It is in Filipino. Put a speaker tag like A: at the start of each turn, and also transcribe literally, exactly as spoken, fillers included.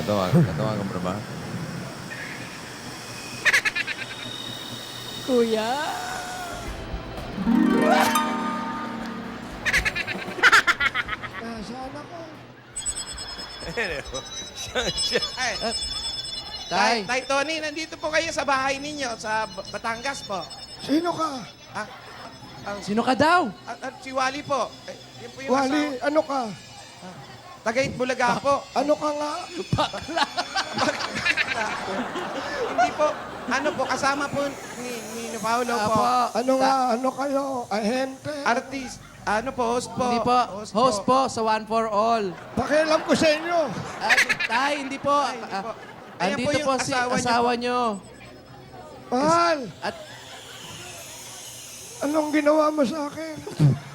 A: Tatawagan, tatawagan mo na ba?
B: Kuya.
C: Nasaan ako?
A: siya, siya.
D: Ay,
B: Tay.
D: Tay Tony, nandito po kayo sa bahay ninyo, sa B- Batangas po.
C: Sino ka?
D: Ah, ang,
B: Sino ka daw?
D: ah, ah, si Wally po. Eh, yun po yung
C: Wali,
D: asawa.
C: ano ka?
D: Tagait Bulaga po.
C: Ano ka nga?
D: Hindi po. Ano po, kasama po ni, ni Paolo po.
B: Apo.
C: Ano nga? Ano kayo? Ahente?
D: Artist. Ano po, host po.
B: Hindi po. Host po sa One for All.
C: Pakialam ko sa inyo.
B: Ay, tay, hindi po.
D: Ay, hindi po.
B: Ah,
D: Ayan
B: andito
D: po
B: po,
D: yung
B: si
D: asawa niyo
B: asawa nyo.
C: Mahal,
B: At
C: anong ginawa mo sa akin?